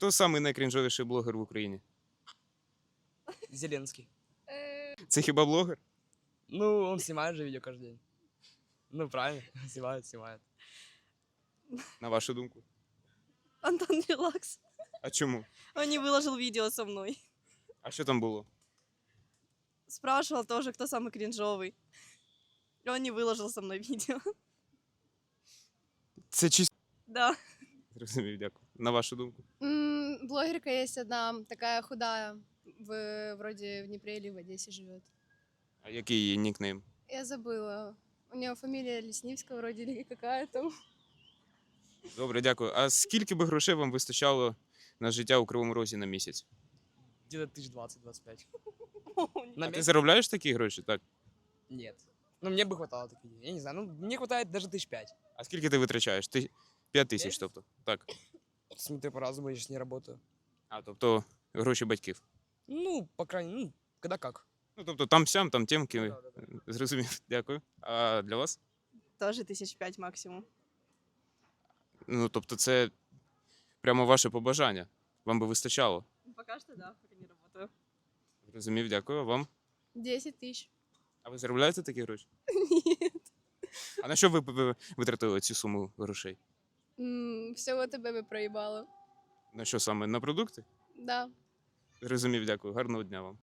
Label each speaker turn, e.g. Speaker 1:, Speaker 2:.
Speaker 1: Хто самий найкрінжовіший блогер в Україні?
Speaker 2: Зеленский.
Speaker 1: Це хіба блогер?
Speaker 2: Ну, он снимает же видео каждый день. Ну, правильно, снимает.
Speaker 1: На вашу думку?
Speaker 3: Антон Релакс.
Speaker 1: А чому?
Speaker 3: Он не выложил видео со мной.
Speaker 1: А що там було?
Speaker 3: Спрашивал тоже, кто самый кринжовый. И он не выложил со мной видео.
Speaker 1: Це чисто.
Speaker 3: Да.
Speaker 1: Зрозумів, дякую. На вашу думку?
Speaker 4: Блогерка есть одна, такая худая, вроде в Днепре или в Одессе живет.
Speaker 1: А який її нікнейм?
Speaker 4: Я забыла. У нее фамилия Леснивская вроде или какая там.
Speaker 1: Добре, дякую. А скільки би грошей вам вистачало на життя у Кривому Розі на місяць?
Speaker 2: Где-то 20-25.
Speaker 1: А
Speaker 2: На
Speaker 1: ти
Speaker 2: месяц?
Speaker 1: заробляєш такі гроші? Так.
Speaker 2: Нет. Ну, мне бы хватало таких денег. Я не знаю, ну, мне хватает даже 5
Speaker 1: А скільки ти витрачаєш? 5 тисяч,
Speaker 2: Місяць?
Speaker 1: тобто. Так.
Speaker 2: Смотрю по-разному, я сейчас не работаю.
Speaker 1: А, тобто гроші батьків.
Speaker 2: Ну, по крайней мере, ну, когда как.
Speaker 1: Ну, тобто там сям, там тємки.
Speaker 2: Ну, да.
Speaker 1: Зрозумів, дякую. А для вас?
Speaker 3: Тоже 5 максимум.
Speaker 1: Ну, тобто це прямо ваше побажання. Вам би вистачало.
Speaker 3: Пока что да, пока не работаю.
Speaker 1: Зрозумів, дякую. А вам?
Speaker 4: 10 тысяч.
Speaker 1: А ви заробляєте такі гроші?
Speaker 4: Нет.
Speaker 1: А на що ви витратили цю суму грошей?
Speaker 4: Всего тебе бы проебала.
Speaker 1: На що саме? На продукти?
Speaker 4: Да.
Speaker 1: Зрозумів, дякую. Гарного дня вам.